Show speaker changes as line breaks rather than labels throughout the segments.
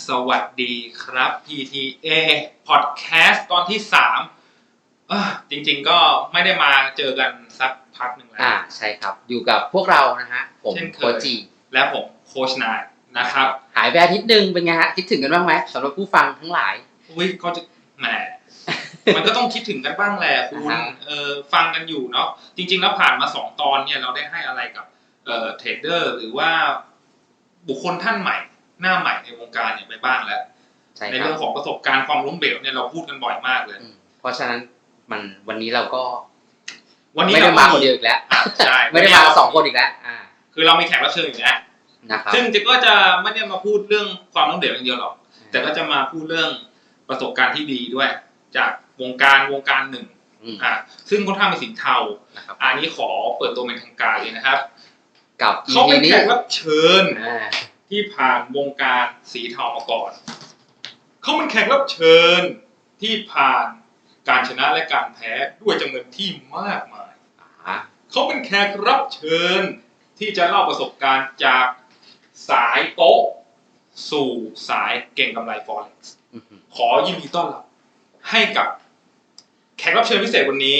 สวัสดีครับ PTA Podcast ตอนที่3จริงๆก็ไม่ได้มาเจอกันสักพักหนึ่งแล้ว
ใช่ครับอยู่กับพวกเรานะฮะผมโคจิ
และผมโคชนายนะครับ
หายไปอาทิตย์นึงเป็นไงฮะคิดถึงกันบ้างไหมสำหรับผู้ฟังทั้งหลาย
ก็จะแหมมันก็ต้องคิดถึงกันบ้างแหละคุณฟังกันอยู่เนาะจริงๆแล้วผ่านมา2ตอนเนี่ยเราได้ให้อะไรกับเทรดเดอร์หรือว่าบุคคลท่านใหม่หน้าใหม่ในวงการเนี่ยไปบ้างแล้วในเรื่องของประสบการณ์ความล้มเหลวเนี่ยเราพูดกันบ่อยมากเลย
เพราะฉะนั้นวันนี้เราก็ไม่ได้มาคนเดียวอีกแล้ว
ใช่
ไม่ได้มา2คนอีกแล้ว
คือเรามีแขกรับเชิญอีกแล้วซึ่งก็จะไม่ได้มาพูดเรื่องความล้มเหลวอย่างเดียวหรอกแต่ก็จะมาพูดเรื่องประสบการณ์ที่ดีด้วยจากวงการหนึ่งซึ่งค่อนข้างเป็นสินเทาอันนี้ขอเปิดตัวเป็นทางการเลยนะครับ
กับ
เขาเป็นแขกรับเชิญที่ผ่านวงการสีเทามาก่อนเขาเป็นแขกรับเชิญที่ผ่านการชนะและการแพ้ด้วยจำนวนที่มากมายเขาเป็นแขกรับเชิญที่จะเล่าประสบการณ์จากสายโต๊ะสู่สายเก่งกำไร Forex ขอยินดีต้อนรับให้กับแขกรับเชิญพิเศษวันนี้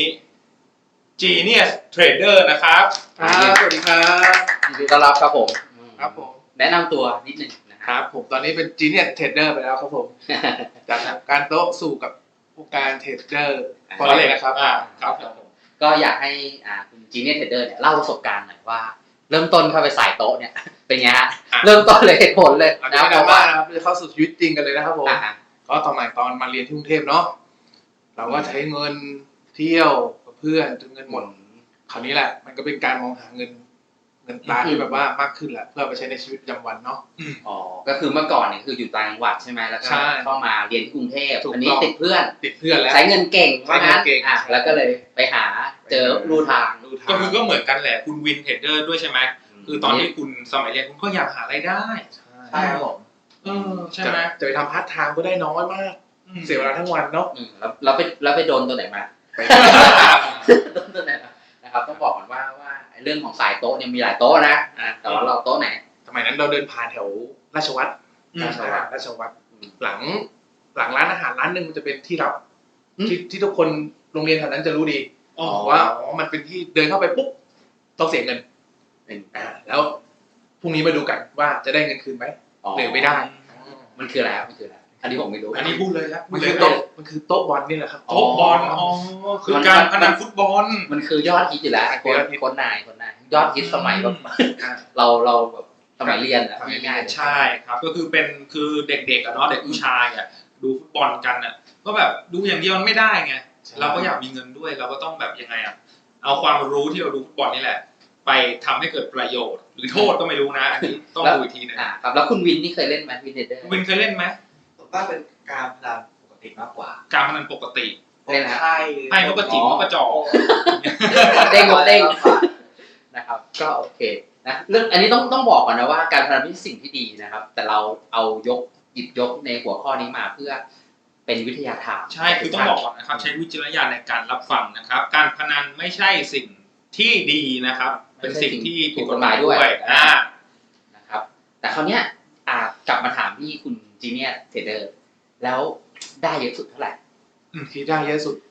Genius Trader นะครับ
สวัสดีครับ
ยินดีต้อนรับครับผม
ครับผม
แนะนำตัวนิดนึง
นะครับผมตอนนี้เป็น Genius Trader ไปแล้วครับผมจากการโต๊ะสู่กับผู้การเทรดเดอร์
พอเลยนะครับ
ครับก็อยากให้คุณ Genius Trader เนี่ยเล่าประสบการณ์หน่อยว่าเริ่มต้นเข้าไปสายโต๊ะเนี่ยเป็นไงฮะเริ่มต้นเลยเหตุผลเลย
นะครับเพราะว่าเข้าสู่ชีวิตจริงกันเลยนะครับผมก็ตอนมาเรียนที่กรุงเทพเนาะเราก็ใช้เงินเที่ยวกับเพื่อนจนเงินหมดคราวนี้แหละมันก็เป็นการมองหาเงินตราที่แบบว่ามากขึ้นแหละเพื่อไปใช้ในชีวิตประจำวันเนาะ
ก็คือเมื่อก่อนเนี่ยคืออยู่ต่างจังหวัดใช่ไหมแล้วก็เข้ามาเรียนที่กรุงเทพอันนี้ติดเพื่อน
แล้ว
ใช้เงินเก่งว่างั้นแล้วก็เลยไปหาเจอรูทาง
ก็เหมือนกันแหละคุณวินเทรดเดอร์ด้วยใช่ไหมคือตอนที่คุณสมัยเรียนคุณก็อยากหารายได้
ใช่ครับผม
ใช่ไหม
จะไปทำพาร์ทไทม์ก็ได้น้อยมากเสียเวลาทั้งวันเนาะ
แล้วไปโดนตัวไหนมาโดนตัวไหนนะครับต้องบอกก่อนว่าเรื่องของสายโต๊ะเนี่ยมีหลายโต๊ะนะแต่ว่าเราโต๊ะไหน
สมัยนั้นเราเดินผ่านแถวราชวัตรหลังร้านอาหารร้านนึงมันจะเป็นที่รับที่ทุกคนโรงเรียนแถวนั้นจะรู้ดีว่ามันเป็นที่เดินเข้าไปปุ๊บต้องเสียเงินแล้วพรุ่งนี้มาดูกันว่าจะได้เงินคืนไหมหรือไม่ได้
มันคืออะไรอันนี้ผมไม่รู้
อันนี้พูดเลยครับ
มันคือโต๊ะบอลนี่แหละครับ
โต๊ะบอลคือการพนันฟุตบอล
มันคือยอดฮิตอยู่แล้วคนนายยอดฮิตสมัยแบบเราแบบสมัยเรียนอะง่าย
ๆใช่ครับก็คือคือเด็กๆอะเนาะเด็กผู้ชายอะดูฟุตบอลกันอะก็แบบดูอย่างเดียวมันไม่ได้ไงเราก็อยากมีเงินด้วยเราก็ต้องแบบยังไงอะเอาความรู้ที่เราดูฟุตบอลนี่แหละไปทำให้เกิดประโยชน์หรือโทษก็ไม่รู้นะอันนี้ต้องดูอีกทีนึง
ครับแล้วคุณวินนี่เคยเล่นไหมวินเทรดเดอร์
วินเคยเล่นไหม
ว่าเป็นการพนันปกติมากกว่า
การพนันปกติ
เล่น
ไพ่นกกระจิ๋มนกกระจอก
เด้งนะครับก็โอเคนะเรื่องอันนี้ต้องบอกก่อนนะว่าการพนันเป็นสิ่งที่ดีนะครับแต่เราเอาหยิบยกในหัวข้อนี้มาเพื่อเป็นวิทยาทาน
ใช่คือต้องบอกก่อนนะครับใช้วิจารณญาณในการรับฟังนะครับการพนันไม่ใช่สิ่งที่ดีนะครับเป็นสิ่งที่ผิดกฎหมายด้วย
นะครับแต่คราวเนี้ยกลับมาถามที่คุณจีเนียเทรดเดอร์แล้วได้เยอะสุดเท่าไหร่
ที่ได้เยอะสุด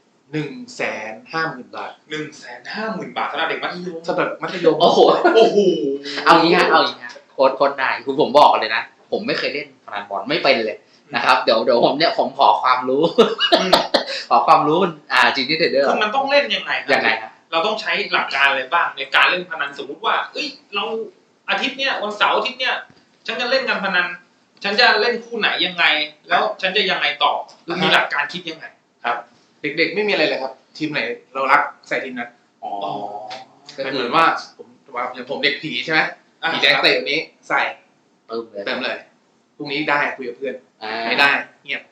150,000 บาท
150,000 บาทสำหรับเด็กมัธยม
โอ้โหเอางี้ฮะโค้ดนายคือผมบอกเลยนะผมไม่เคยเล่นพนันบอลไม่เป็นเลยนะครับเดี๋ยวผมขอความรู้ขอความรู้จีเนียเทรดเดอร์
คือมันต้องเล่นยังไง
ครับ
เราต้องใช้หลักการอะไรบ้างในการเล่นพนันสมมุติว่าเราอาทิตย์เนี้ยวันเสาร์อาทิตย์เนี้ยฉันจะเล่นการพนันฉันจะเล่นคู่ไหนยังไงแล้วฉันจะยังไงต่อมีหลักการคิดยังไง
ครับเด็กๆไม่มีอะไรเลยครับทีมไหนเรารักใส่ทีมนั้นก็เหมือนว่าอย่างผมเด็กผีใช่ไหมผีแดงเตะวันนี้ใส่เติมเลยพรุ่งนี้ได้คุยกับเพื่อนไม่ได้เงียบ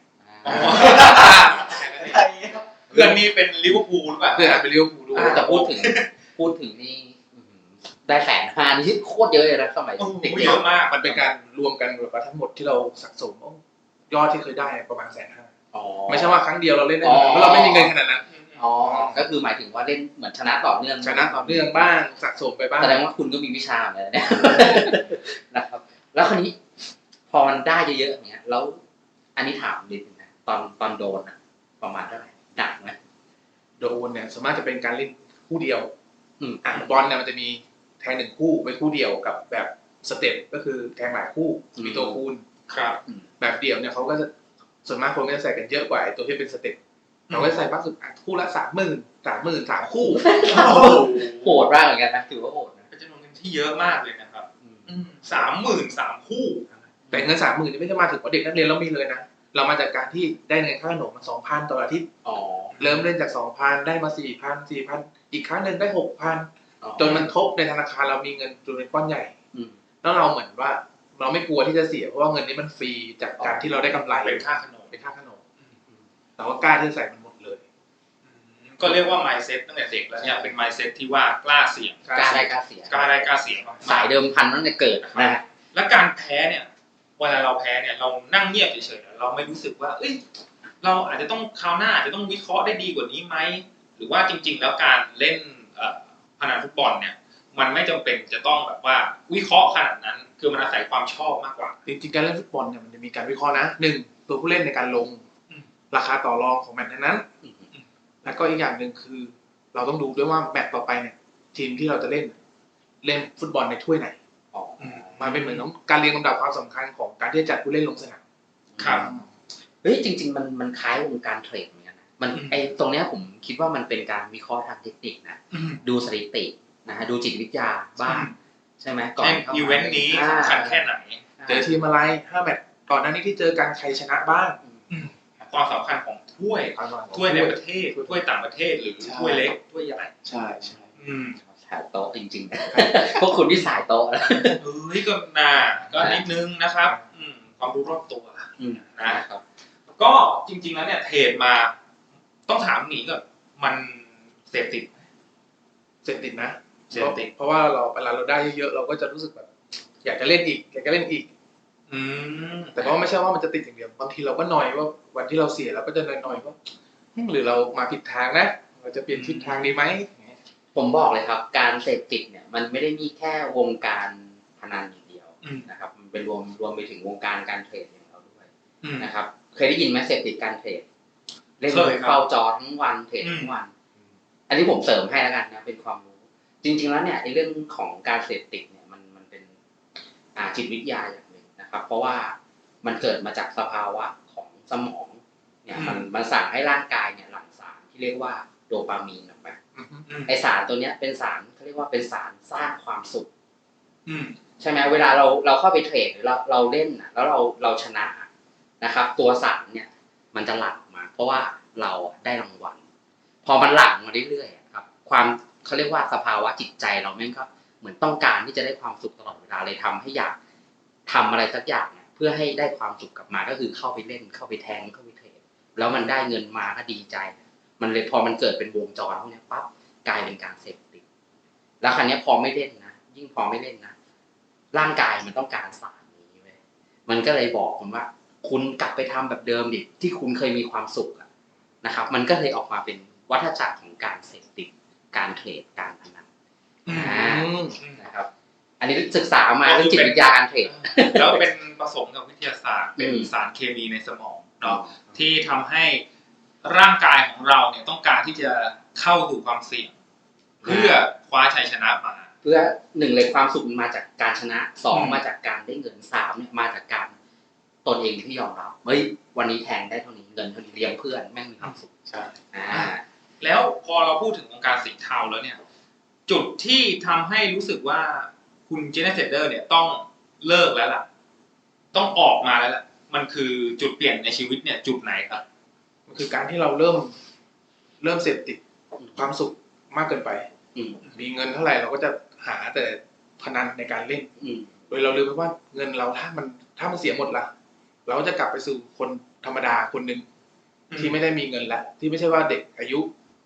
เพื่อนนี่เป็นลิเวอร์พูลหรือเปล่า
เพื่อนเป็นลิเวอร์พูลด้วย
แต่พูดถึงนี่ได้150,000นี่โคตรเยอะเลยนะสมัยเด็ก
เยอะมาก
มันเป็นการรวมกันแบบว่าทั้งหมดที่เราสะสมยอดที่เคยได้ประมาณ150,000ไม่ใช่ว่าครั้งเดียวเราเล่นได้เพราะเราไม่มีเงินขนาดนั้น
ก็คือหมายถึงว่าเล่นเหมือนชนะต่อเนื่อง
บ้างสะสมไปบ้าง
แสดงว่าคุณก็มีวิชาเลยเนี่ยนะครับแล้วคราวนี้พอมันได้เยอะๆอย่างเงี้ยแล้วอันนี้ถามนิดนึงนะตอนโดนอะประมาณเท่าไหร่หนักไหม
โดนเนี่ยส่วนมากจะเป็นการเล่นคู่เดียว
อืม
บอลเนี่ยมันจะมีแทง1คู่เป็นคู่เดียวกับแบบสเต็ปก็คือแทงหลายคู่มีตัวคูณ
ครับ
แบบเดี่ยวเนี่ยเขาก็จะส่วนมากคนก็จะใส่กันเยอะกว่าไอ้ตัวที่เป็นสเต็ปเราก็จะใส่มากสุดคู่ละ30,000 คู่
โหดมากเหมือนกันนะถือว่าโหดนะ
เป็นจำนวนเงินที่เยอะมากเลยนะครับ30,000 3 คู่
แต่เงิน30,000นี่ไม่ได้มาถึงว่าเด็กนักเรียนเรามีเลยนะเรามาจากการที่ได้เงินค่าขนมมา 2,000 ต่ออาทิตย์
อ๋อ
เริ่มเล่นจาก 2,000 ได้มา 4,000 อีกครั้งหนึ่งได้ 6,000 จนมันทบในธนาคารเรามีเงินจำนวนก้อนใหญ่
อืม
แล้วเราเหมือนว่าเราไม่กลัวที่จะเสียเพราะว่าเงินนี้มันฟรีจากการที่เราได้กำไร
เป็นค่าขนม
เป็นค่าขนมเราก็กล้าที่จะใส่มันหมดเลย
ก็เรียกว่า mindset ตั้งแต่เด็กแล้วเนี่ยเป็น mindset ที่ว่ากล้าเสี่ยง
กล้าได้กล้าเสีย
กล้าได้กล้าเสี่ยงมากๆ
สายเดิมพันตั้งแต่เกิดนะฮะ
และการแพ้เนี่ยเวลาเราแพ้เนี่ยเรานั่งเงียบเฉยๆเราไม่รู้สึกว่าเอ้ยเราอาจจะต้องคราวหน้าอาจจะต้องวิเคราะห์ได้ดีกว่านี้ไหมหรือว่าจริง ๆ แล้วการเล่นพนันฟุตบอลเนี่ยมันไม่จำเป็นจะต้องแบบว่าวิเคราะห์ขนาดนั้นคือมันอาศัยความชอบมากกว่า
จริงๆการเล่นฟุตบอลเนี่ยมันจะมีการวิเคราะห์นะ1ตัวผู้เล่นในการลง
อืม
ราคาต่อรองของแมตช์นั้นๆแล้วก็อีกอย่างหนึ่งคือ เราต้องดูด้วยว่าแมตช์ต่อไปเนี่ยทีมที่เราจะเล่นฟุตบอลในถ้วยไหน
อ๋อ
มันเป็นเหมือนการเรียงลำดับความสำคัญของการที่จะจัดผู้เล่นลงสนาม
ครับ
เฮ้ยจริงๆมันคล้ายวงการเทรดเหมือนกันนะมันไอตรงเนี้ยผมคิดว่ามันเป็นการวิเคราะห์ทางเทคนิคนะดูสถิตินะฮะดูจิตวิทยาบ้างใช่ไหมก่อน
ใน
เข้ามา
อีเวนต์นี้สำคัญแค่ไหน
เจอทีมอะไร5แมตช์ก่อนหน้านี้ที่เจอกันใครชนะบ้าง
ความสำคัญของถ้วย ถ้วยในประเทศถ้วยต่างประเทศหรือถ้วยเล็กถ้วยใหญ่
ใช่
สายโต๊ะจริงๆ พวกคุณที่สายโต๊ะนะ
เฮ้ยก็น่าก็นิดนึงนะครับความรู้รอบตัว
นะครับ
ก็จริงๆแล้วเนี่ยเทรดมาต้องถามหนีก่อนมันเสพติด
เสพติดนะ
เสพติด
เพราะว่าเวลาเราได้เยอะๆเราก็จะรู้สึกแบบอยากจะเล่นอีกแต่ก็ไม่ใช่ว่ามันจะติดอย่างเดียวบางทีเราก็หน่อยว่าวันที่เราเสียเราก็จะหน่อยว่าหรือเรามาผิดทางนะเราจะเปลี่ยนทิศทางดีไหม
ผมบอกเลยครับ การเสพติดเนี่ยมันไม่ได้มีแค่วงการพนันอย่างเดียวนะครับมันเป็นรวมไปถึงวงการการเทรดอย่างเราด้วยนะครับเคยได้ยินไหมเสพติดการเทรดเล่นเฝ้าจอทั้งวันเทรดทั้งวัน อันนี้ผมเสริมให้แล้วกันนะเป็นความรู้จริงๆแล้วเนี่ยในเรื่องของการเสพติดเนี่ยมันเป็นจิตวิทยาอย่างหนึ่งนะครับเพราะว่ามันเกิดมาจากสภาวะของสมองเนี่ยมันสั่งให้ร่างกายเนี่ยหลั่งสารที่เรียกว่าโดปามีนออกมาไอสารตัวเนี้ยเป็นสารเขาเรียกว่าเป็นสารสร้างความสุขใช่ไหมเวลาเราเข้าไปเทรดหรือเราเล่นนะแล้วเราชนะนะครับตัวสารเนี่ยมันจะหลั่งมาเพราะว่าเราได้รางวัลพอมันหลั่งมาเรื่อยๆครับความเขาเรียกว่าสภาวะจิตใจเราแม่งก็เหมือนต้องการที่จะได้ความสุขตลอดเวลาเลยทำให้อยากทำอะไรสักอย่างเนี่ยเพื่อให้ได้ความสุขกลับมาก็คือเข้าไปเล่นเข้าไปแทงเข้าไปเทรดแล้วมันได้เงินมาก็ดีใจมันเลยพอมันเกิดเป็นวงจรพวกนี้ปั๊บกลายเป็นการเสพติดแล้วครั้งนี้พอไม่เล่นนะยิ่งพอไม่เล่นนะร่างกายมันต้องการสารนี้เว้ยมันก็เลยบอกผมว่าคุณกลับไปทำแบบเดิมดิที่คุณเคยมีความสุขนะครับมันก็เลยออกมาเป็นวัฏจักรของการเสพติดการเทรดการพนันนะครับอันนี้ศึกษามาเรื่องจิตวิทยาการเทรด
แล้วเป็นผสมกับวิทยาศาสตร์เป็นสารเคมีในสมองเนาะที่ทำให้ร่างกายของเราเนี่ยต้องการที่จะเข้าสู่ความเสี่ยงเพื่อคว้าชัยชนะมา
เพื่อหนึ่งเลยความสุขมาจากการชนะสองมาจากการได้เงินสามเนี่ยมาจากการตนเองที่ยอมรับเฮ้ยวันนี้แทงได้เท่านี้เงินเท่านี้เลี้ยงเพื่อนแม่งมีความสุข
ใช่
แล้วพอเราพูดถึงวงการสีเทาแล้วเนี่ยจุดที่ทำให้รู้สึกว่าคุณเจเนเซเดอร์เนี่ยต้องเลิกแล้วล่ะต้องออกมาแล้วล่ะมันคือจุดเปลี่ยนในชีวิตเนี่ยจุดไหนครับ
มันคือการที่เราเริ่มเสพติดความสุขมากเกินไปมีเงินเท่าไหร่เราก็จะหาแต่พนันในการเล่นโดยเราลืมไปว่าเงินเราถ้ามันเสียหมดละเราก็จะกลับไปสู่คนธรรมดาคนหนึ่งที่ไม่ได้มีเงินแล้วที่ไม่ใช่ว่าเด็กอายุ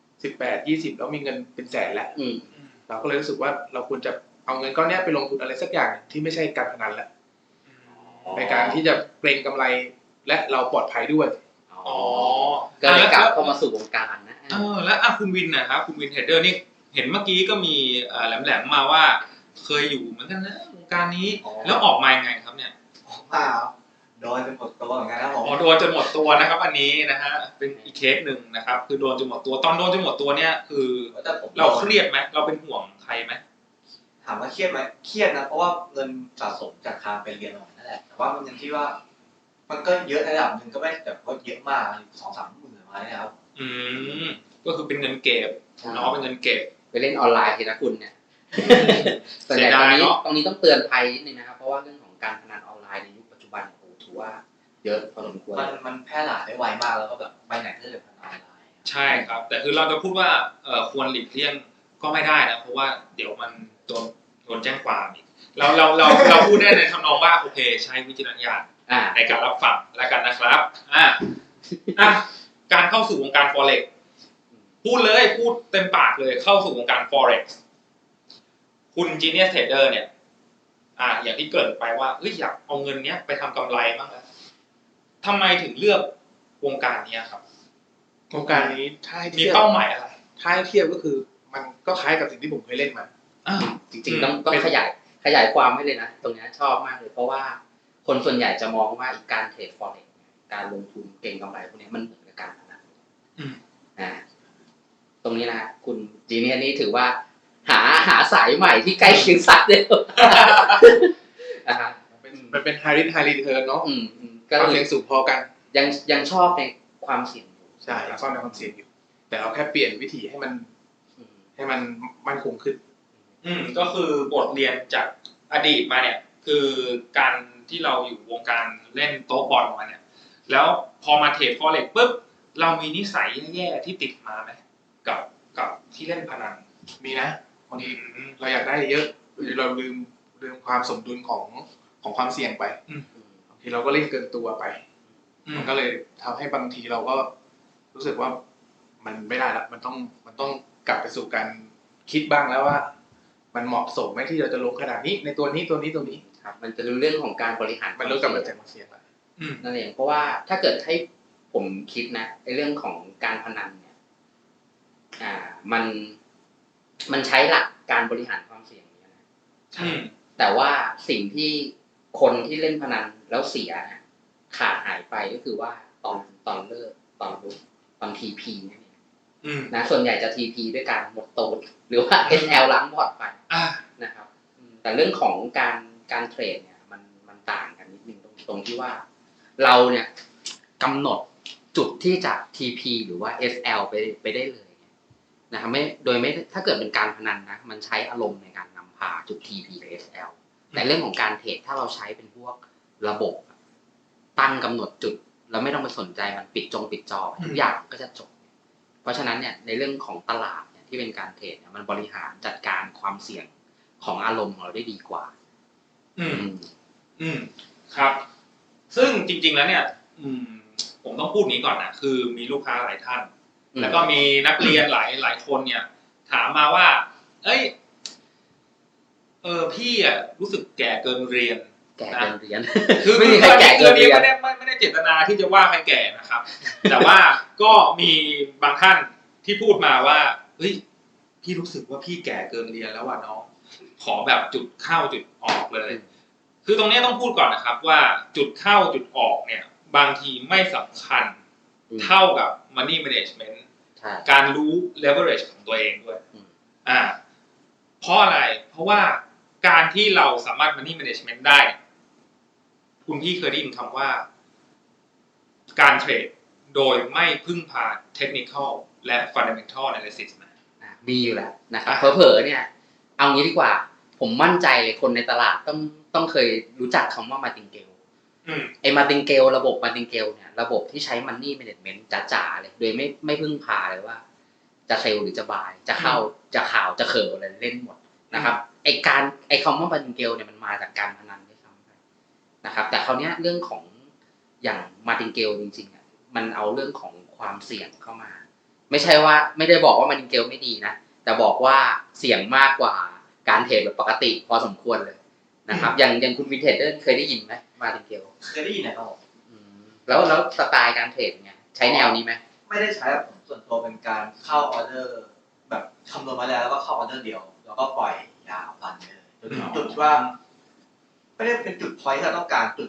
18-20แล้วมีเงินเป็นแสนแล้วเราก็เลยรู้สึกว่าเราควรจะเอาเงินก้อนนี้ไปลงทุนอะไรสักอย่างที่ไม่ใช่การพนันแล้วในการที่จะเกรงกำไรและเราปลอดภัยด้วย
ก็เลยกลับเข้ามาสู่วงการนะ
แล้วคุณวินนะครับคุณวินเทรดเดอร์นี่เห็นเมื่อกี้ก็มีแหลมๆมาว่าเคยอยู่เหมือนกันนะวงการนี้แล้วออกมายังไงครับเนี่ย
ออกมโดนเป็นหมดตัวเหมือนกันนะผม
อ๋อโดนจนหมดตัวนะครับ อันนี้นะฮะเป็นอีกเคสหนึ่งนะครับ คือโดนจนหมดตัวตอนโดนจนหมดตัวเนี่ยคือ
แต่ผม
เราเครียดไหมเราเป็นห่วงใครไหม
ถามว่าเครียดไหมเครียดนะเพราะว่าเงินสะสมจากการไปเรียนของนั่นแหละแต่ว่ามันยังที่ว่า มันก็เยอะในระดับหนึ่งก็ไม่แบบว่าเยอะมาก2-3 หมื่นมาเนี่ยครับ
อืมก็คือเป็นเงินเก็บเนาะเป็นเงินเก็บ
ไปเล่นออนไลน์ทีนะคุณเนี่ยส่วนใหญ่ตรงนี้ต้องเตือนภัยนิดนึงนะครับเพราะว่าเรื่องของการพนันออนไลน์ในยุคปัจจุบันโอ้ถือว่าเยอะพอสมควร
มันแพร่หลายได้ไวมากแล้วก็แบบไปไหนก็เลยพนันออนไลน์
ใช่ครับ แต่คือเราจะพูดว่าควรหลีกเลี่ยงก็ไม่ได้นะเพราะว่าเดี๋ยวมันโดนแจ้งความอีกเราพูดได้ในทำนองว่าโอเคใช้วิจารณญาณในการรับฟังแล้วกันนะครับการเข้าสู่วงการ forex พูดเต็มปากเลยเข้าสู่วงการ forex คุณ Genius Trader เนี่ยอย่างที่เกริ่นไปว่าอยากเอาเงินเนี้ยไปทำกำไรบ้างแล้วทำไมถึงเลือกวงการนี้ครับ
วงการนี้ถ้าให้
มี
เทียบ
เป้าหมายอะไร
ถ้าให้เทียบก็คือมันก็คล้ายกับสิ่งที่ผมเคยเล่นมา
จริงๆต้องขยายความให้เลยนะตรงนี้ชอบมากเลยเพราะว่าคนส่วนใหญ่จะมองว่าอีกการเทรด forex การลงทุนเก็งกำไรพวกนี้มันเหมือนกับการพนันตรงนี้นะคุณจีเนียนี่ถือว่าหาสายใหม่ที่ใกล้เคียงสักเลย
มันเป็น high risk high return เนาะ
ก็
ความเสี่ยงสูงพอกัน
ยังชอบในความเสี่ยงอยู่
ใช่ยังชอบในความเสี่ยงอยู่แต่เราแค่เปลี่ยนวิธีให้มันมั่นคงขึ้น
ก็คือบทเรียนจากอดีตมาเนี่ยคือการที่เราอยู่วงการเล่นโต๊ะบอลมาเนี่ยแล้วพอมาเทรด forex ปุ๊บเรามีนิสัยแย่ๆที่ติดมาไหมกับที่เล่นพนัน
มีนะบางทีเราอยากได้เยอะหรือเราลืมความสมดุลของความเสี่ยงไปบางทีเราก็เล่นเกินตัวไปมันก็เลยทำให้บางทีเราก็รู้สึกว่ามันไม่ได้ละมันต้องกลับไปสู่การคิดบ้างแล้วว่ามันเหมาะสมไหมที่เราจะลงขนาดนี้ในตัวนี้
ครับมันจะรู้เรื่องของการบริหาร
มันรู้กับมันจะมาเสี่ยง
นั่นเองเพราะว่าถ้าเกิดให้ผมคิดนะในเรื่องของการพนันเนี่ยมันใช้หลักการบริหารความเสี่ยงเนี่ยนะแต่ว่าสิ่งที่คนที่เล่นพนันแล้วเสียเนี่ยขาดหายไปก็คือว่าตอนเลิกตอนทีพีเนี่ยนะส่วนใหญ่จะทีพีด้วยการหมดโตดหรือว่า SL ล้างพอร์ตไปนะครับแต่เรื่องของการเทรดเนี่ยมันต่างกันนิดนึงตรงที่ว่าเราเนี่ยกำหนดจุดที่จะ TP หรือว่า SL ไปได้เลยนะครับไม่ถ้าเกิดเป็นการพนันนะมันใช้อารมณ์ในการนำพาจุด TP กับ SL แต่เรื่องของการเทรดถ้าเราใช้เป็นพวกระบบตั้งกำหนดจุดแล้วไม่ต้องไปสนใจมันปิดจอทุกอย่างก็จะจบเพราะฉะนั้นเนี่ยในเรื่องของตลาดเนี่ยที่เป็นการเทรดเนี่ยมันบริหารจัดการความเสี่ยงของอารมณ์ของเราได้ดีกว่า
ครับซึ่งจริงๆแล้วเนี่ยผมต้องพูดนี้ก่อนนะคือมีลูกค้าหลายท่านแล้วก็มีนักเรียนหลายคนเนี่ยถามมาว่าพี่รู้สึกแก่เกินเรียนคือไม่ได้แก่เกินเรียนไม่ได้เจตนาที่จะว่าใครแก่นะครับแต่ว่าก็มีบางท่านที่พูดมาว่าเฮ้ยพี่รู้สึกว่าพี่แก่เกินเรียนแล้วว่ะน้องขอแบบจุดเข้าจุดออกเลยคือตรงนี้ต้องพูดก่อนนะครับว่าจุดเข้าจุดออกเนี่ยบางทีไม่สำคัญเท่ากับ money management การรู้ leverage ของตัวเองด้วยเพราะอะไรเพราะว่าการที่เราสามารถ money management ได้คุณพี่เคยได้ยินคำว่าการเทรดโดยไม่พึ่งพา technical และ fundamental analysis
มีอยู่แล้วนะครับเผลอๆเนี่ยเอางี้ดีกว่าผมมั่นใจเลยคนในตลาดต้องเคยรู้จักคำว่ามาติงเกลไอ้มาติงเกลระบบมาติงเกลเนี่ยระบบที่ใช้ money management จ๋าๆเลยโดยไม่พึ่งพาเลยว่าจะเซลหรือจะบายจะเข้าจะข่าวจะเขินอะไรเล่นหมดนะครับไอ้คำว่ามาติงเกลเนี่ยมันมาจากการพนันด้วยซ้ำนะครับแต่คราวนี้เรื่องของอย่างมาติงเกลจริงๆอ่ะมันเอาเรื่องของความเสี่ยงเข้ามาไม่ใช่ว่าไม่ได้บอกว่ามาติงเกลไม่ดีนะแต่บอกว่าเสี่ยงมากกว่าการเทรดแบบปกติพอสมควรเลยนะครับอย่างคุณวินเทจเคยได้ยินไหมมาติงเกล
เคยได้ยินนะครับ
แล้วสไตล์การเทรดไงใช้แนวนี้ไหม
ไม่ได้ใช้ผมส่วนตัวเป็นการเข้าออเดอร์แบบคำนวณมาแล้วก็เข้าออเดอร์เดียวแล้วก็ปล่อยยาวรันเลยจุดว่าไม่ได้เป็นจุดพอยท์ที่เราต้องการจุด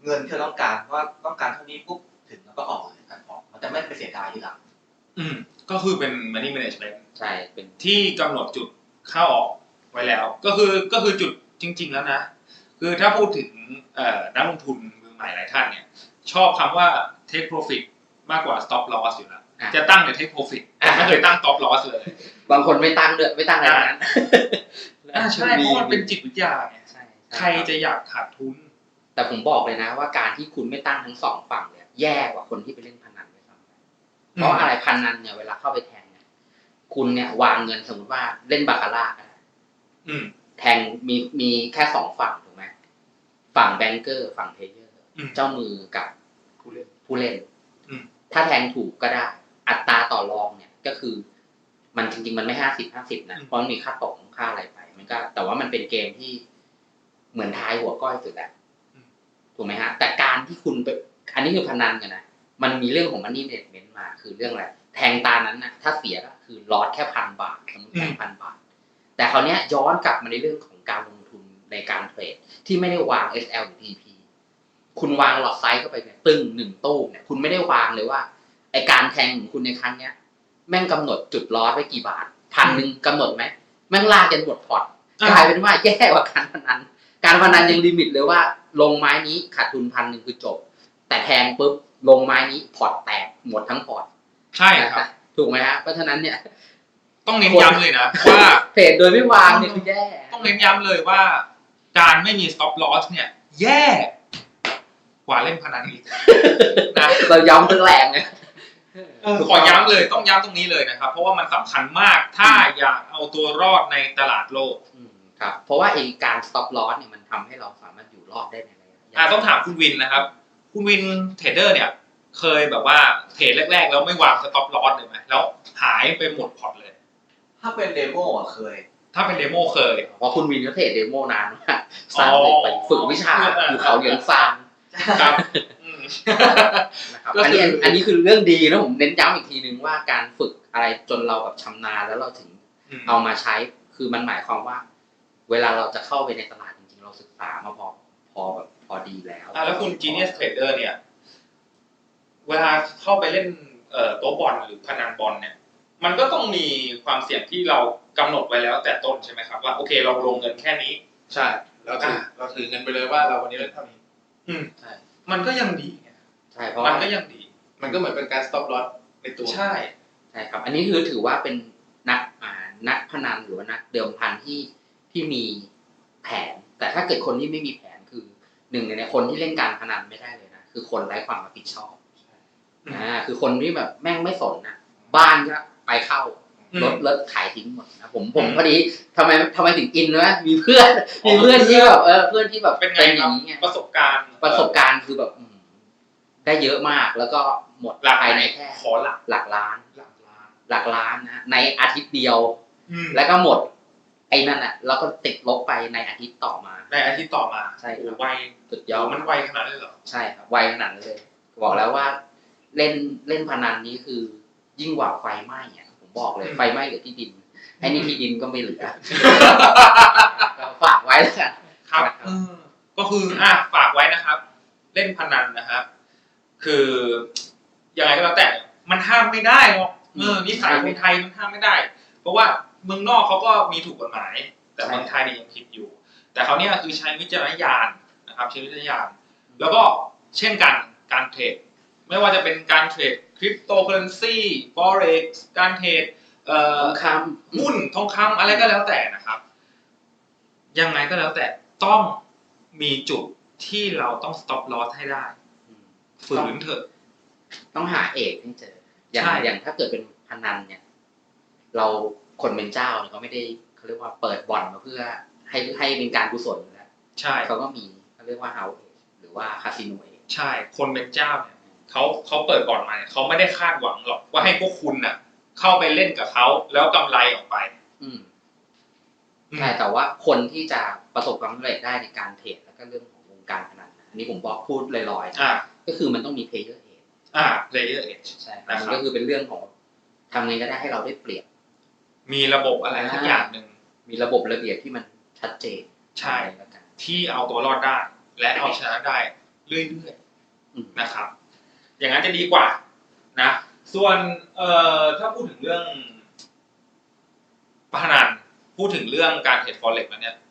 เงินที่เราต้องการว่าต้องการเท่านี้ปุ๊บถึงแล้วก็ออกเลยการออกมันจะไม่ไปเสียดายทีหลัง
ก็คือเป็น money management
ใช่เป็น
ที่กำหนดจุดเข้าออกไว้แล้ว ก็คือจุดจริง ๆ แล้วนะ คือถ้าพูดถึงนักลงทุนมือใหม่หลายท่านเนี่ยชอบคำว่า take profit มากกว่า stop loss อยู่แล้วจะตั้งแต่ take profit แต่ไม่เคยตั้ง stop loss เลย
บางคนไม่ตั้งด้วยไม่ตั้งอะไรทั้งนั้น
ใช่เพราะมันเป็นจิตวิทยาไง
ใช่
ใครจะอยากขาดทุน
แต่ผมบอกเลยนะว่าการที่คุณไม่ตั้งทั้งสองฝั่งเนี่ยแย่กว่าคนที่ไปเล่นพนันด้วยซ้ำเพราะอะไรพนันเนี่ยเวลาเข้าไปแทงเนี่ยคุณเนี่ยวางเงินสมมติว่าเล่นบาคาร่าก็ได้แทงมีแค่สองฝั่งถูกไหมฝั่งแบงเกอร์ฝั่งเพลเยอร์เจ้ามือกับผู้เล่นถ้าแทงถูกก็ได้ อัตราต่อรองเนี่ยก็คือมันจริงๆมันไม่50-50นะเพราะมันมีค่าตกค่าอะไรไปมันก็แต่ว่ามันเป็นเกมที่เหมือนทายหัวก้อยสุดแหละถูกไหมฮะแต่การที่คุณไปอันนี้คือพนันกันนะมันมีเรื่องของ money management มาคือเรื่องอะไรแทงตานั้นนะถ้าเสียก็คือลอสแค่1,000 บาทสมมติแทง1,000 บาทแต่คราวนี้ย้อนกลับมาในเรื่องของการลงทุนในการเทรดที่ไม่ได้วาง SL หรือ TP คุณวางหลอดไซส์เข้าไปเนี่ยตึ้ง1ตู้เนี่ยคุณไม่ได้วางเลยว่าไอการแทงของคุณในครั้งเนี้ยแม่งกำหนดจุดลอสไว้กี่บาท1,000กำหนดไหมแม่งลากจนหมดพอร์ตกลายเป็นว่าแย่กว่าการพนันยังลิมิตเลยว่าลงไม้นี้ขาดทุน1,000คือจบแต่แทงปุ๊บลงไม้นี้พอร์ตแตกหมดทั้งพอร์ต
ใช่ครับ
ถูกไหมฮะเพราะฉะนั้นเนี่ย
ต้องเน้นย้ำเลยนะว่า
เทรดโดยไม่วางเนี่ยคือแย่
ต้องเน้นย้ำเลยว่าการไม่มี stop loss เนี่ยแย่กว่าเล่นพนันอีกนะ
เราย้ำตั้งแรงเลย
ขอย้ำเลยต้องย้ำตรงนี้เลยนะครับเพราะว่ามันสำคัญมากถ้าอยากเอาตัวรอดในตลาดโลก
ครับเพราะว่าไอ้การ stop loss เนี่ยมันทำให้เราสามารถอยู่รอดได้ในระยะยาว
ต้องถามคุณวินนะครับคุณวินเทรดเดอร์เนี่ยเคยแบบว่าเทรดแรกๆแล้วไม่วาง stop loss เลยไหมแล้วหายไปหมดพอร์ตเลย
ถ้าเป็นเดโมอ่ะเคย
ถ้าเป็นเดโมเคย
เพราะคุณวินเขาเทรดเดโมนานมากสร้างไปฝึกวิชาอยู่เขาเหลียงซาน
ครับ
นะครับอันนี้คือเรื่องดีนะผมเน้นย้ำอีกทีนึงว่าการฝึกอะไรจนเราแบบชำนาญแล้วเราถึงเอามาใช้คือมันหมายความว่าเวลาเราจะเข้าไปในตลาดจริงๆเราศึกษามาพอดีแล้ว
แล้วคุณ Genius Trader เนี่ยเวลาเข้าไปเล่นโต๊ะบอลหรือพนันบอลเนี่ยมันก็ต้องมีความเสี่ยงที่เรากำหนดไว้แล้วแต่ต้นใช่ไหมครับว่าโอเคเราลงเงินแค่นี้
ใช่เราถือเงินไปเลยว่าเราวันนี้เล่นเท่านี้
ใช่มันก็ยังดีไง
ใช่เพราะ
มันก็ยังดี
มันก็เหมือนเป็นการ stop loss ในตัว
ใช่
ครับอันนี้คือถือว่าเป็นนักพนันหรือว่านักเดิมพันที่มีแผนแต่ถ้าเกิดคนที่ไม่มีแผนคือหนึ่งในคนที่เล่นการพนันไม่ได้เลยนะคือคนไร้ความรับผิดชอบคือคนที่แบบแม่งไม่สนนะบ้านก็ไปเข้ารถขายทิ้งหมดนะผมพอดีทำไมถึงอินนะมีเพื่อนที่แบบเพื่อนที่แบบ
เป็นอย่างนี้ไงประสบ
การณ์คือแบบได้เยอะมากแล้วก็หมดภายในแค่
ขอ
หลักล้านนะในอาทิตย์เดียวแล้วก็หมดไอ้นั่นน่ะแล้วก็ติดลบไปในอาทิตย์ต่อมาใช่
ไว
สุดยอด
มันไวขนาดนั้นเลยเหรอ
ใช่ครับไวขนาดนั้นเลยบอกแล้วว่าเล่นพนันนี้คือยิ่งกว่าไฟไหม้อ่ะผมบอกเลยไฟไหม้เหลือที่ดินไอ้นี่ที่ดินก็ไม่เหลือฝากไว้แล้วกัน
ครับก็คือฝากไว้นะครับเล่นพนันนะครับคือยังไงก็แล้วแต่มันห้ามไม่ได้หรอกนิสัยคนไทยมันห้ามไม่ได้เพราะว่าเมืองนอกเขาก็มีถูกกฎหมายแต่เมืองไทยเนี่ยยังผิดอยู่แต่เขาเนี่ยคือใช้วิจารณญาณนะครับใช้วิจารณญาณแล้วก็เช่นกันการเทรดไม่ว่าจะเป็นการเทรดคริปโตเคอเรนซีฟอเร็กซ์การเทรด
ทองคำ
หุ้นทองคำอะไรก็แล้วแต่นะครับยังไงก็แล้วแต่ต้องมีจุดที่เราต้อง stop loss ให้ได้ฝืนเถอะ
ต้องหาเอกให้เจออย่างถ้าเกิดเป็นพนันเนี่ยเราคนเป็นเจ้าเนี่ยเขาไม่ได้เขาเรียกว่าเปิดบ่อนมาเพื่อให้เป็นการกุศลนะ
ใช่
เขาก็มีเขาเรียกว่า house หรือว่าคาสิโนเอง
ใช่คนเป็นเจ้าเนี่ยเขาเปิดบ่อนมาเนี่ยเขาไม่ได้คาดหวังหรอกว่าให้พวกคุณน่ะเข้าไปเล่นกับเขาแล้วกำไรออกไป
ใช่แต่ว่าคนที่จะประสบความสำเร็จได้ในการเทรดแล้วก็เรื่องของวงการพนันอันนี้ผมบอกพูดลอยๆก็คือมันต้องมี player edge
player edge
ใช่มันก็คือเป็นเรื่องของทำไงก็ได้ให้เราได้เปรียบ
มีระบบอะไรทุกอย่างหนึ่ง
มีระบบระเบียบที่มันชัดเจน
ใช่ที่เอาตัวรอดได้และเอาชนะได้เรื่อยๆนะครับ อย่างนั้นจะดีกว่านะส่วนถ้าพูดถึงเรื่องพนันพูดถึงเรื่องการเทรด Forex แล้วเนี่ย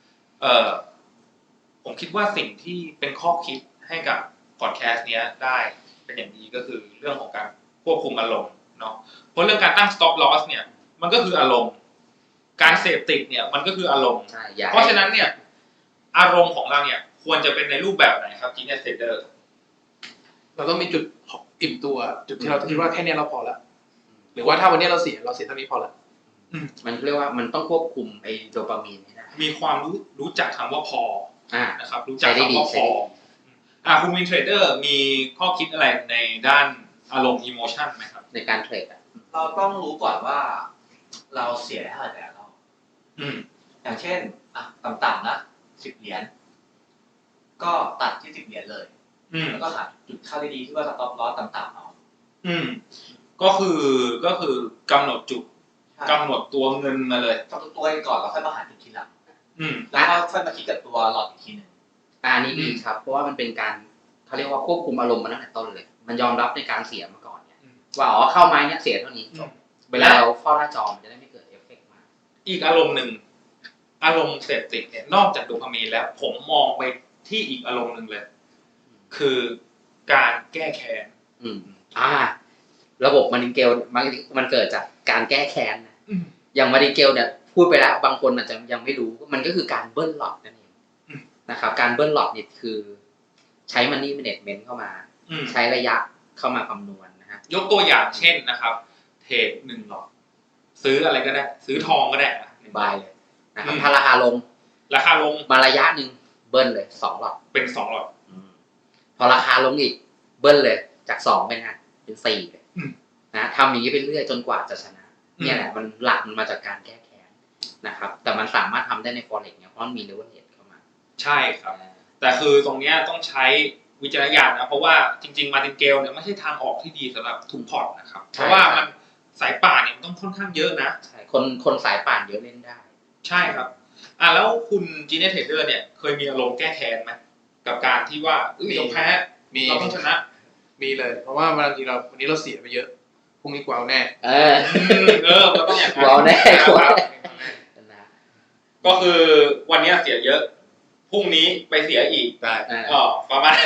ผมคิดว่าสิ่งที่เป็นข้อคิดให้กับพอดแคสต์เนี้ยได้เป็นอย่างดีก็คือเรื่องของการควบคุมอารมณ์เนาะเพราะเรื่องการตั้ง stop loss เนี่ยมันก็คืออารมณ์การเสพติดเนี่ยมันก็คืออารมณ์เพราะฉะนั้นเนี่ยอารมณ์ของเราเนี่ยควรจะเป็นในรูปแบบไหนครับ Genius Trader
เราต้องมีจุดอิ่มตัวจุดที่เราคิดว่าแค่นี้เราพอแล้วหรือว่าถ้าวันนี้เราเสียเท่านี้พอแล้ว
มันเรียกว่ามันต้องควบคุมไอ้โดปามีนให้ได้
มีความรู้จักคำว่าพอนะครับรู้จักคำว่าพอคุณวินเทรดเดอร์มีข้อคิดอะไรในด้านอารมณ์อิโมชันไหมครับ
ในการเทรด
เราต้องรู้ก่อนว่าเราเสียเท่าไหร่แต่เราอย่างเช่นต่ำๆนะ10 เหรียญก็ตัดที่10 เหรียญเลยแล้วก็หาจุดเข้าได้ดีที่ว่าสต็อปลอสต่ำๆเอา
ก็คือกำหนดจุดกำหนดตัวเงินมาเลย
กำหนดตัวก่อนแล้วค่อยมาหาจุดทีหลังแล้วก็ค่อยมาคิดกับตัวหลอดอีกทีนึง
อันนี้ดีครับเพราะว่ามันเป็นการเขาเรียกว่าควบคุมอารมณ์มาตั้งแต่ต้นเลยมันยอมรับในการเสียมาก่อนเนี่ยว่าเข้าไม้เนี่ยเสียเท่านี้จบเวลาเราเฝ้าหน้าจอมันจะได้ไม่เกิดเอฟเฟกต์มา
อีกอารมณ์หนึ่งอารมณ์เสพติดเนี่ยนอกจากโดปามีนแล้วผมมองไปที่อีกอารมณ์หนึ่งเลยคือการแก้แค้น
ระบบมาริเกลมันเกิดจากการแก้แค้นนะอย่างมาริเกลเนี่ยพูดไปแล้วบางคนอาจจะยังไม่รู้มันก็คือการเบิ้ลหลอดนั่นเองนะครับการเบิ้ลหลอดเนี่ยคือใช้ money management เข้ามาใช้ระยะเข้ามาคำนวณนะฮะ
ยกตัวอย่างเช่นนะครับเทรด1 หลอดซื้ออะไรก็ได้ซื้อทองก็ได้
1 ใบเลยนะครับถ้าราคาลงมาระยะนึงเบิ้ลเลย2 หลอด
เป็น2 หลอด
พอราคาลงอีกเบิ้ลเลยจาก2เป็น4เลยนะทำอย่างนี้ไปเรื่อยจนกว่าจะชนะเนี่ยแหละมันหลักมันมาจากการแก้แค้นนะครับแต่มันสามารถทำได้ใน Forex เนี่ยเพราะมันมี leverage เข้ามา
ใช่ครับแต่คือตรงเนี้ยต้องใช้วิจารณญาณนะเพราะว่าจริงๆมาร์ตินเกลเนี่ยไม่ใช่ทางออกที่ดีสำหรับทุกพอร์ตนะครับเพราะว่ามันสายป่านเนี่ยมันต้องค่อนข้างเยอะนะ
ใช่คนสายป่านเยอะเล่นได้
ใช่ครับแล้วคุณจีเนสเทรดเดอร์เนี่ยเคยมีอารมณ์แก้แค้นไหมกับการที่ว่าเราแพ้เราต้องชนะ
มีเลยเพราะว่าบางทีวันนี้เราเสียไปเยอะพรุ่งนี้กวาแน่
เราต้องอย่างนั้น
กวาแน่
ก็คือวันนี้เสียเยอะพรุ่งนี้ไปเสียอีก
ได้
ประมาณ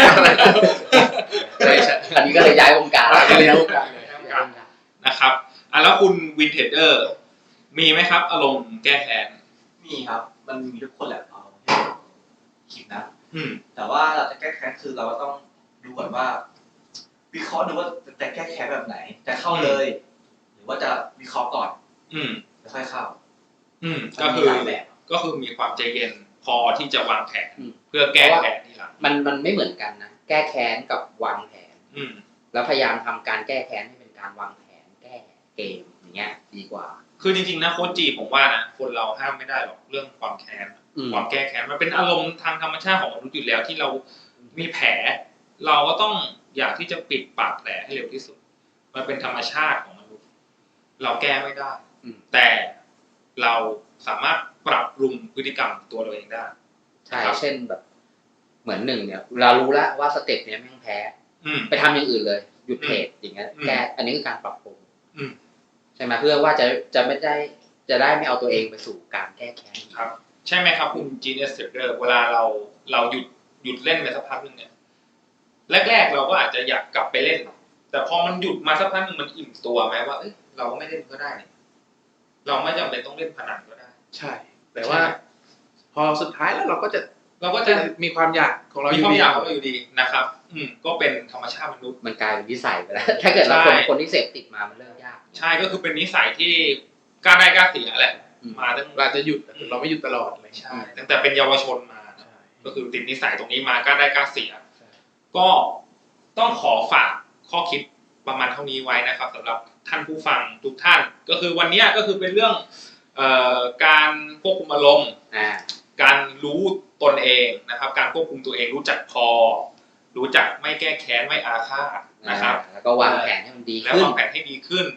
อันนี้ก็เลยย้ายวงการ
นะครับแล้วคุณวินเทรดเดอร์มีไหมครับอารมณ์แก้แค้น
มีครับมันมีทุกคนแหละเอาคิดนะแต่ว่าเราจะแก้แค้นคือเราก็ต้องดูก่อนว่าวิเคราะห์ดูว่าจะแก้แค้นแบบไหนจะเข้าเลยหรือว่าจะวิเคราะห์ก่อนแล้วค่อยเข้า
ก็คือมีความใจเย็นพอที่จะวางแผนเพื่อแก้แค้นทีหลัง
มันไม่เหมือนกันนะแก้แค้นกับวางแผนแล้วพยายามทำการแก้แค้นให้เป็นการวางแผนแก้เกมอย่างเงี้ยดีกว่า
คือจริงๆนะโค้ชจีผมว่านะคนเราห้ามไม่ได้หรอกเรื่องความแค้นความแก้แค้นมันเป็นอารมณ์ทางธรรมชาติของมนุษย์อยู่แล้วที่เรามีแผลเราก็ต้องอยากที่จะปิดปากแผลให้เร็วที่สุดมันเป็นธรรมชาติของมนุษย์เราแก้ไม่ได้แต่เราสามารถปรับปรุงพฤติกรรมตัวเราเองได้
ใช่เช่นแบบเหมือน1เนี่ยเรารู้แล้วว่าสเต็ปเนี้ยแม่งแพ้ไปทำอย่างอื่นเลยหยุดเทรดอย่างเงี้ยแก้อันนี้คือการปรับปรุงใช่ไหมเพื่อว่าจะไม่ได้จะได้ไม่เอาตัวเองไปสู่การแก้แค้น
ครับใช่ไหมครับคุณ Genius Trader เวลาเราหยุดเล่นไปสักพักนึงเนี่ยแรกๆเราก็อาจจะอยากกลับไปเล่นแต่พอมันหยุดมาสักพักนึงมันอิ่มตัวไหมว่าเราก็ไม่เล่นก็ได้เราไม่จำเป็นต้องเล่นพนันก็ได้
ใช่แต่ว่าพอสุดท้ายแล้วเราก็จะมีความอยากของเรา
อยู่ดีนะครับก็เป็นธรรมชาติมนุษย์
มันกลายเป็นนิสัยไปแล้วถ้าเกิดเราคนที่เสพติดมามันเริ่มยาก
ใช่ก็คือเป็นนิสัยที่กล้าได้กล้าเสียแหละมาตั้ง
เราจะหยุดเราไม่หยุดตลอดเลย
ใช่ตั้งแต่เป็นเยาวชนมาก็คือติดนิสัยตรงนี้มากล้าได้กล้าเสียก็ต้องขอฝากข้อคิดประมาณเท่านี้ไว้นะครับสำหรับท่านผู้ฟังทุกท่านก็คือวันนี้ก็คือเป็นเรื่องการควบคุมอารมณ์การรู้ตนเองนะครับการควบคุมตัวเองรู้จักพอรู้จักไม่แก้แค้นไม่อาฆาตนะครับ
แล้วก็วางแผนให้มันดี
แล้ววางแผนให้ดีขึ้น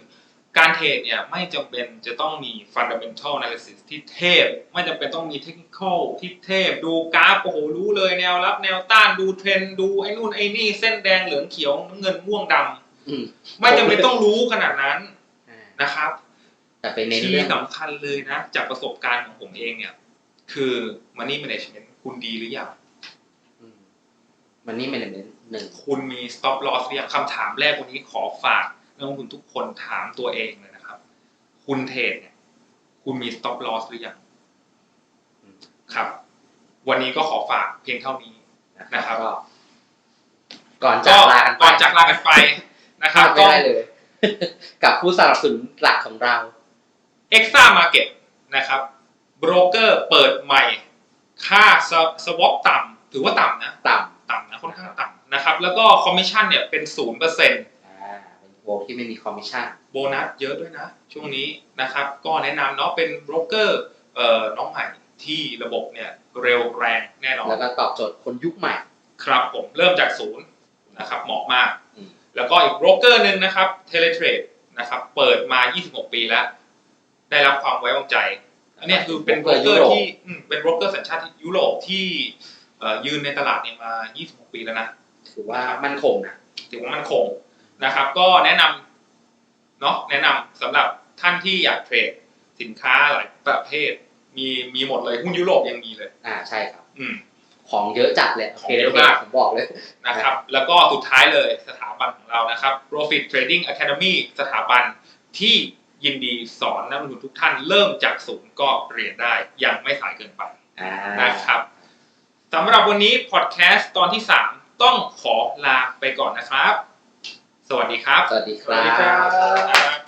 การเทรดเนี่ยไม่จำเป็นจะต้องมี fundamental analysis ที่เทพไม่จำเป็นต้องมี technical ที่เทพดูกราฟโอ้โหรู้เลยแนวรับแนวต้านดูเทรนด์ดูไอ้นู่นไอ้นี่เส้นแดงเหลืองเขียวน้ำเงินม่วงดำไม่จำเป็นต้องรู้ขนาดนั้นนะครับ
แต่เป็นเน้น
ที่
เรื่อง
สำคัญเลยนะจากประสบการณ์ของผมเองเนี่ยคือ money management คุณดีหรือยัง
มันนี่เป็นหนึ่ง
คุณมี stop loss หรือยังคำถามแรกวันนี้ขอฝากนักลงทุนทุกคนถามตัวเองเลยนะครับ คุณเทรดเนี่ยคุณมี stop loss หรือยังครับ วันนี้ก็ขอฝากเพียงเท่านี้นะครับ
ก็ก่อนจากลากันไป
ก่อนจากลากันไปนะครับ
ไม่ได้เลย กับผู้สนับสนุนหลักของเรา
Exa Market นะครับโบรกเกอร์เปิดใหม่ค่า swap ต่ำถือว่าต่ำนะ
ต่ำ
ต่ำนะค่อนข้างต่ำนะครับแล้วก็คอมมิชชั่นเนี่ยเป็น 0%
เป็นโบรกที่ไม่มีคอมมิชชั่น
โบนัสเยอะด้วยนะช่วงนี้นะครับก็แนะนำเนาะเป็นโบรกเกอร์น้องใหม่ที่ระบบเนี่ยเร็วแรงแน่นอน
แล้วก็ตอบโจทย์คนยุคใหม่
ครับผมเริ่มจากศูนย์นะครับเหมาะมาก
อืม
แล้วก็อีกโบรกเกอร์หนึ่งนะครับ Teletrade นะครับเปิดมา 26 ปีแล้ว ได้รับความไว้วางใจอันนี้คือเป็นโบรกเกอร์ที่เป็นโบรกเกอร์สัญชาติยุโรปที่ยืนในตลาดเนี่ยมา 26 ปีแล้วนะ
ถือว่ามั่นคงนะ
ถือว่ามันคงนะครับก็แนะนำเนาะแนะนำสำหรับท่านที่อยากเทรดสินค้าหลายประเภทมีหมดเลยหุ้นยุโรปยังมีเลย
ใช่ครับ
อืม
ของเยอะจัดเลย
ของเยอะมาก
ผมบอกเลย
นะครับแล้วก็สุดท้ายเลยสถาบันของเรานะครับ Profit Trading Academy สถาบันที่ยินดีสอนนักลงทุนทุกท่านเริ่มจากศูนย์ก็เรียนได้ยังไม่สายเกินไปนะครับสำหรับวันนี้พอดแคสต์ตอนที่ 3 ต้องขอลาไปก่อนนะครับ สวัสดีครับ
สวัสดีค
สวัสดีครั
รับ
บ